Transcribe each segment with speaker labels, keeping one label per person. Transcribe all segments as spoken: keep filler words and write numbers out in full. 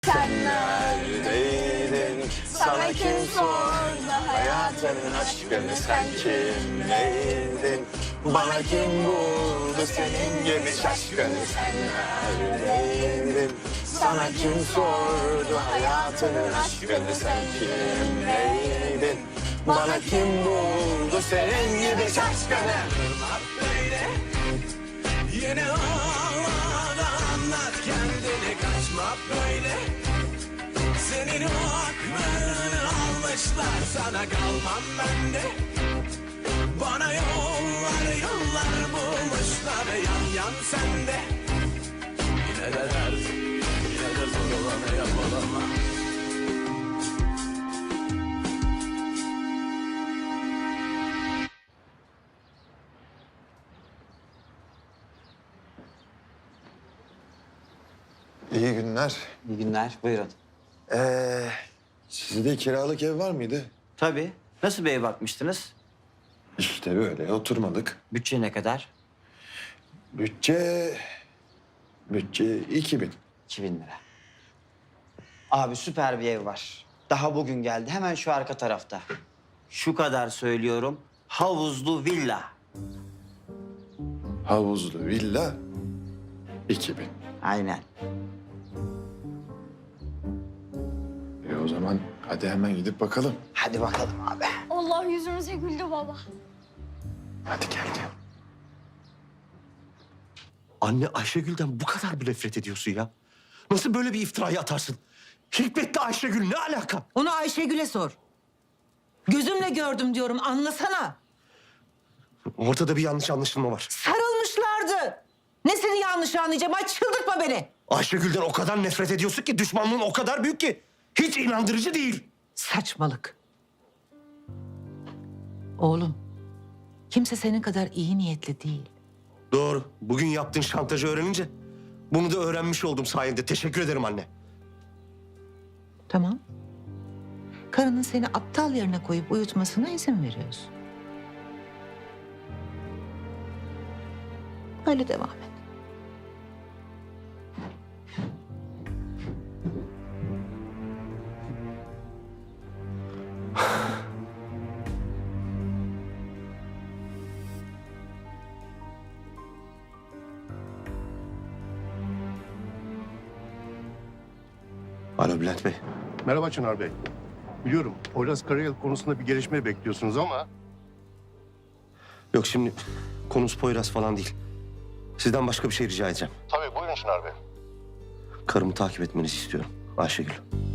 Speaker 1: Sen neredeydin? Sana kim sordu hayatının aşkını? Sen kimleydin? Bana kim buldu senin gibi şaşkını? Sen neredeydin? Sana kim sordu hayatının aşkını? Sen kimleydin? Bana kim buldu senin gibi şaşkını?
Speaker 2: Yine ağlada anlat kendini, kaçma böyle. Senin o aklını almışlar, sana kalmam ben de. Bana yollar yollar bulmuşlar, yan yan sende. Yine de dert, yine de zor olanı yapalım.
Speaker 3: İyi günler.
Speaker 4: İyi günler, buyurun.
Speaker 3: Ee, sizde kiralık ev var mıydı?
Speaker 4: Tabii. Nasıl bir ev bakmıştınız?
Speaker 3: İşte böyle oturmadık.
Speaker 4: Bütçe ne kadar?
Speaker 3: Bütçe... Bütçe iki bin.
Speaker 4: iki bin lira. Abi süper bir ev var. Daha bugün geldi. Hemen şu arka tarafta. Şu kadar söylüyorum. Havuzlu villa.
Speaker 3: Havuzlu villa iki bin.
Speaker 4: Aynen.
Speaker 3: E o zaman hadi hemen gidip bakalım.
Speaker 4: Hadi bakalım abi.
Speaker 1: Allah yüzümüze güldü baba.
Speaker 3: Hadi gel gel.
Speaker 5: Anne, Ayşegül'den bu kadar mı nefret ediyorsun ya? Nasıl böyle bir iftirayı atarsın? Hikmet'le Ayşegül ne alaka?
Speaker 6: Onu Ayşegül'e sor. Gözümle gördüm diyorum, anlasana.
Speaker 5: Ortada bir yanlış anlaşılma var.
Speaker 6: Sarılmışlardı. Nesini yanlış anlayacağım? Ay çıldırtma beni.
Speaker 5: Ayşegül'den o kadar nefret ediyorsun ki düşmanlığın o kadar büyük ki. Hiç inandırıcı değil.
Speaker 6: Saçmalık. Oğlum, kimse senin kadar iyi niyetli değil.
Speaker 5: Doğru. Bugün yaptığın şantajı öğrenince bunu da öğrenmiş oldum sayende. Teşekkür ederim anne.
Speaker 6: Tamam. Karının seni aptal yerine koyup uyutmasına izin veriyorsun. Böyle devam et.
Speaker 5: Alo Bülent Bey.
Speaker 7: Merhaba Çınar Bey. Biliyorum Poyraz Karayel konusunda bir gelişme bekliyorsunuz ama...
Speaker 5: Yok şimdi konusu Poyraz falan değil. Sizden başka bir şey rica edeceğim.
Speaker 7: Tabii buyurun Çınar Bey.
Speaker 5: Karımı takip etmenizi istiyorum. Ayşegül.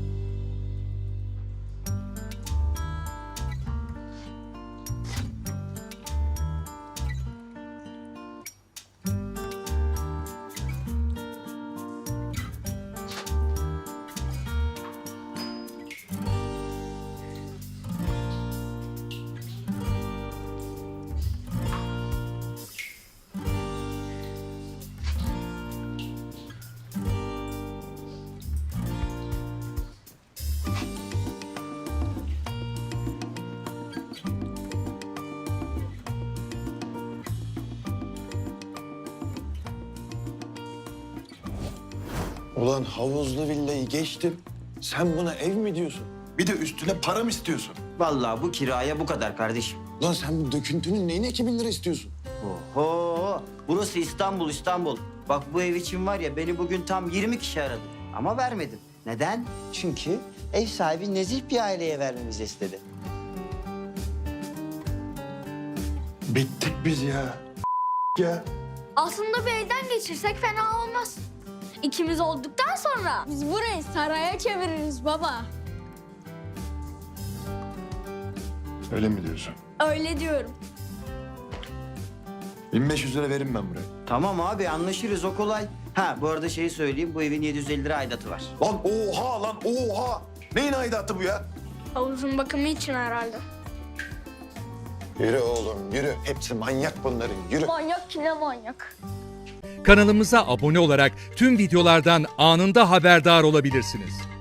Speaker 3: Ulan havuzlu villayı geçtim. Sen buna ev mi diyorsun? Bir de üstüne para mı istiyorsun?
Speaker 4: Vallahi bu kiraya bu kadar kardeşim.
Speaker 3: Ulan sen bu döküntünün neyine iki bin lira istiyorsun?
Speaker 4: Oho! Burası İstanbul, İstanbul. Bak bu ev için var ya beni bugün tam yirmi kişi aradı. Ama vermedim. Neden? Çünkü ev sahibi nezih bir aileye vermemizi istedi.
Speaker 3: Bittik biz ya. Ya.
Speaker 1: Aslında bir elden geçirsek fena olmaz. İkimiz olduktan sonra biz burayı saraya çeviririz baba.
Speaker 3: Öyle mi diyorsun?
Speaker 1: Öyle diyorum.
Speaker 3: bin beş yüz lira veririm ben buraya.
Speaker 4: Tamam abi anlaşırız o kolay. Ha bu arada şeyi söyleyeyim bu evin yedi yüz elli lira aidatı var.
Speaker 3: Lan oha lan oha. Neyin aidatı bu ya?
Speaker 1: Havuzun bakımı için herhalde.
Speaker 3: Yürü oğlum yürü. Hepsi manyak bunların yürü.
Speaker 1: Manyak ki ne manyak.
Speaker 8: Kanalımıza abone olarak tüm videolardan anında haberdar olabilirsiniz.